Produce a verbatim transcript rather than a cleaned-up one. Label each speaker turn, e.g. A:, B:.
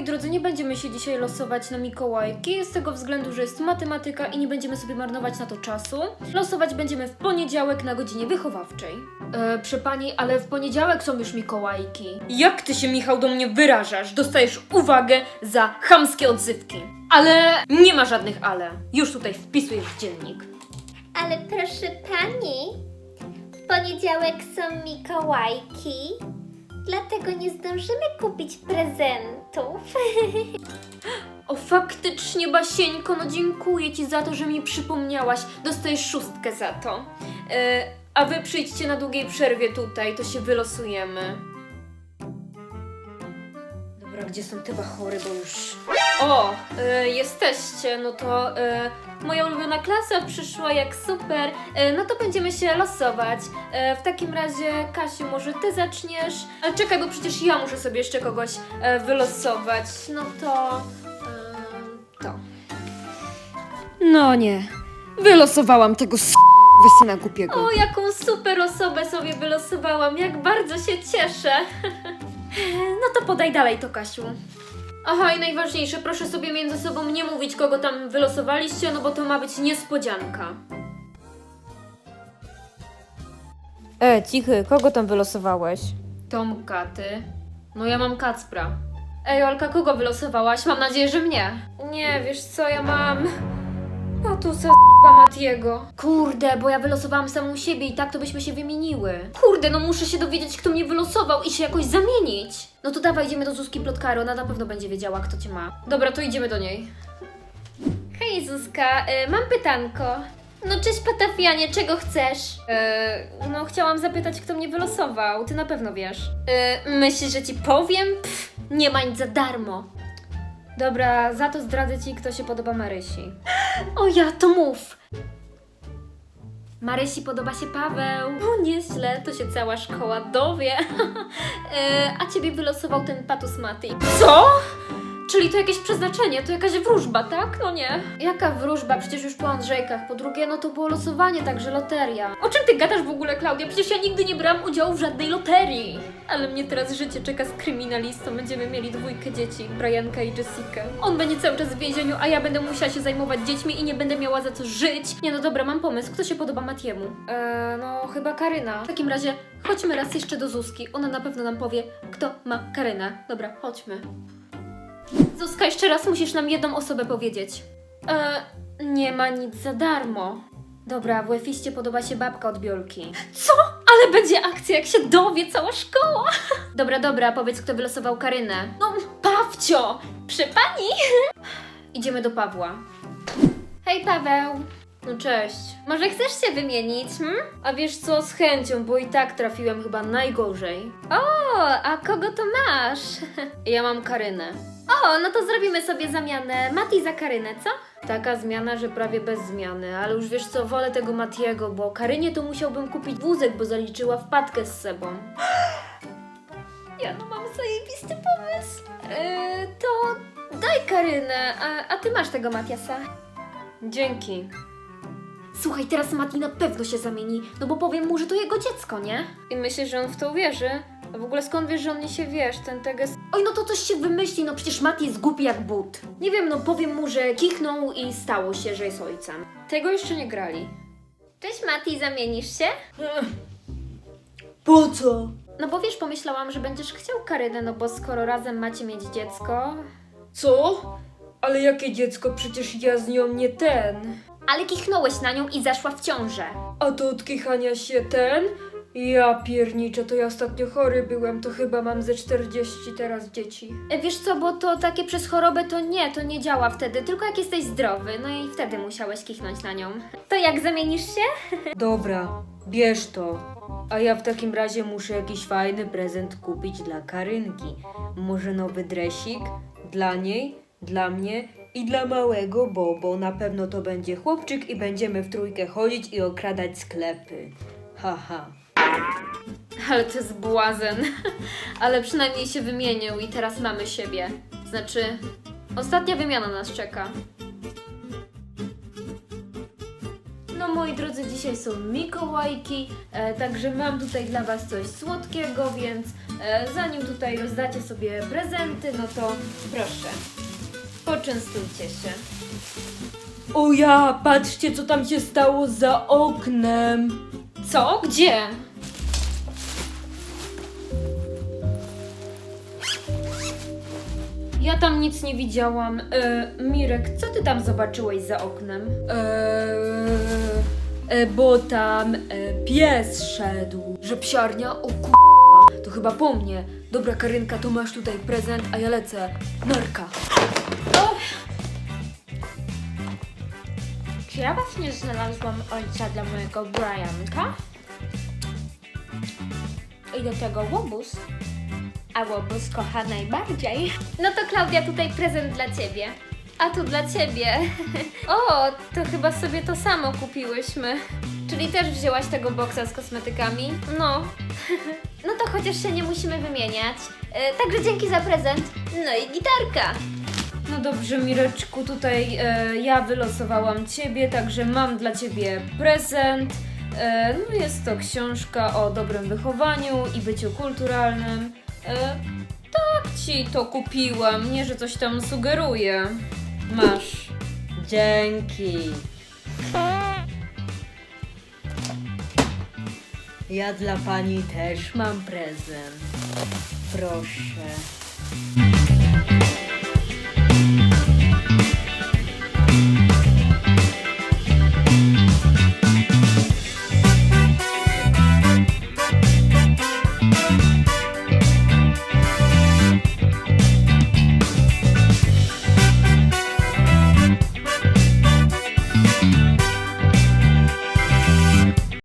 A: drodzy, nie będziemy się dzisiaj losować na Mikołajki, z tego względu, że jest matematyka i nie będziemy sobie marnować na to czasu. Losować będziemy w poniedziałek na godzinie wychowawczej. E, przy pani, ale w poniedziałek są już Mikołajki. Jak ty się, Michał, do mnie wyrażasz? Dostajesz uwagę za chamskie odzywki. Ale nie ma żadnych ale. Już tutaj wpisujesz w dziennik.
B: Ale proszę pani, w poniedziałek są Mikołajki, dlatego nie zdążymy kupić prezentów.
A: O, faktycznie, Basieńko, no dziękuję ci za to, że mi przypomniałaś. Dostajesz szóstkę za to. E, a wy przyjdźcie na długiej przerwie tutaj, to się wylosujemy. Dobra, gdzie są te bachory, bo już... O, e, jesteście, no to e, moja ulubiona klasa przyszła, jak super. E, no to będziemy się losować. E, w takim razie, Kasiu, może ty zaczniesz? Ale czekaj, bo przecież ja muszę sobie jeszcze kogoś e, wylosować. No to... E, to. No nie. Wylosowałam tego s... syna głupiego. O, jaką super osobę sobie wylosowałam. Jak bardzo się cieszę. No to podaj dalej to, Kasiu. Aha, i najważniejsze, proszę sobie między sobą nie mówić, kogo tam wylosowaliście, no bo to ma być niespodzianka. E, cichy, kogo tam wylosowałeś? Tomka, ty. No ja mam Kacpra. Ej, Olka, kogo wylosowałaś? Mam nadzieję, że mnie. Nie, wiesz co, ja mam... Patusa z***a Matiego. Kurde, bo ja wylosowałam samą siebie i tak to byśmy się wymieniły. Kurde, no muszę się dowiedzieć, kto mnie wylosował i się jakoś zamienić. No to dawaj, idziemy do Zuzki Plotkary, ona na pewno będzie wiedziała, kto cię ma. Dobra, to idziemy do niej. Hej Zuzka, y, mam pytanko. No cześć Patafianie, czego chcesz? Yy, no chciałam zapytać, kto mnie wylosował, ty na pewno wiesz. Yy, myślisz, że ci powiem? Pff, nie ma nic za darmo. Dobra, za to zdradzę ci, kto się podoba Marysi. O ja, to mów! Marysi podoba się Paweł. O, nieźle, to się cała szkoła dowie. e, a ciebie wylosował ten Patus Mati. Co? Czyli to jakieś przeznaczenie, to jakaś wróżba, tak? No nie. Jaka wróżba? Przecież już po Andrzejkach. Po drugie, no to było losowanie, także loteria. O czym ty gadasz w ogóle, Klaudia? Przecież ja nigdy nie brałam udziału w żadnej loterii. Ale mnie teraz życie czeka z kryminalistą. Będziemy mieli dwójkę dzieci, Brianka i Jessica. On będzie cały czas w więzieniu, a ja będę musiała się zajmować dziećmi i nie będę miała za co żyć. Nie no dobra, mam pomysł. Kto się podoba Matiemu? Eee, no chyba Karyna. W takim razie chodźmy raz jeszcze do Zuzki. Ona na pewno nam powie, kto ma Karynę. Dobra, chodźmy. Zuzka, jeszcze raz musisz nam jedną osobę powiedzieć. E, nie ma nic za darmo. Dobra, w Łefiście podoba się babka od Biolki. Co? Ale będzie akcja, jak się dowie cała szkoła. Dobra, dobra, powiedz, kto wylosował Karynę. No, Pawcio! Przy pani? Idziemy do Pawła. Hej, Paweł. No cześć. Może chcesz się wymienić, hm? A wiesz co, z chęcią, bo i tak trafiłem chyba najgorzej. O, a kogo to masz? Ja mam Karynę. O, no to zrobimy sobie zamianę Mati za Karynę, co? Taka zmiana, że prawie bez zmiany, ale już wiesz co, wolę tego Matiego, bo Karynie to musiałbym kupić wózek, bo zaliczyła wpadkę z sobą. Ja no mam zajebisty pomysł. Yy, to daj Karynę, a, a ty masz tego Matiasa. Dzięki. Słuchaj, teraz Mati na pewno się zamieni, no bo powiem mu, że to jego dziecko, nie? I myślisz, że on w to uwierzy? A w ogóle skąd wiesz, że on nie się, wiesz, ten teges... Oj, no to coś się wymyśli, no przecież Mati jest głupi jak but. Nie wiem, no powiem mu, że kichnął i stało się, że jest ojcem. Tego jeszcze nie grali. Cześć Mati, zamienisz się?
C: Po co?
A: No bo wiesz, pomyślałam, że będziesz chciał Karynę, no bo skoro razem macie mieć dziecko...
C: Co? Ale jakie dziecko? Przecież ja z nią nie ten.
A: Ale kichnąłeś na nią i zaszła w ciążę.
C: A to od kichania się ten? Ja pierniczę, to ja ostatnio chory byłem, to chyba mam ze czterdzieści teraz dzieci.
A: E, Wiesz co, bo to takie przez chorobę to nie, to nie działa wtedy, tylko jak jesteś zdrowy, no i wtedy musiałeś kichnąć na nią. To jak, zamienisz się?
C: Dobra, bierz to. A ja w takim razie muszę jakiś fajny prezent kupić dla Karynki. Może nowy dresik? Dla niej, dla mnie i dla małego Bobo. Na pewno to będzie chłopczyk i będziemy w trójkę chodzić i okradać sklepy. Haha.
A: Ale to jest błazen. Ale przynajmniej się wymienił i teraz mamy siebie. Znaczy, ostatnia wymiana nas czeka. No moi drodzy, dzisiaj są Mikołajki, e, także mam tutaj dla was coś słodkiego, więc E, zanim tutaj rozdacie sobie prezenty, no to proszę, poczęstujcie się.
C: O ja, patrzcie co tam się stało za oknem.
A: Co? Gdzie? Ja tam nic nie widziałam. E, Mirek, co ty tam zobaczyłeś za oknem?
C: Eee, e, bo tam e, pies szedł. Że psiarnia? O k***a, to chyba po mnie. Dobra Karynka, to masz tutaj prezent, a ja lecę. Narka.
B: Czy ja właśnie znalazłam ojca dla mojego Brianka? I do tego łobuz. A łobuz kocha najbardziej.
A: No to Klaudia, tutaj prezent dla ciebie. A tu dla ciebie. O, to chyba sobie to samo kupiłyśmy. Czyli też wzięłaś tego boksa z kosmetykami? No. No to chociaż się nie musimy wymieniać. E, także dzięki za prezent. No i gitarka. No dobrze, Mireczku, tutaj e, ja wylosowałam ciebie, także mam dla ciebie prezent. E, no jest to książka o dobrym wychowaniu i byciu kulturalnym. E, tak ci to kupiłam, nie że coś tam sugeruję. Masz.
C: Dzięki. Ja dla pani też mam prezent. Proszę.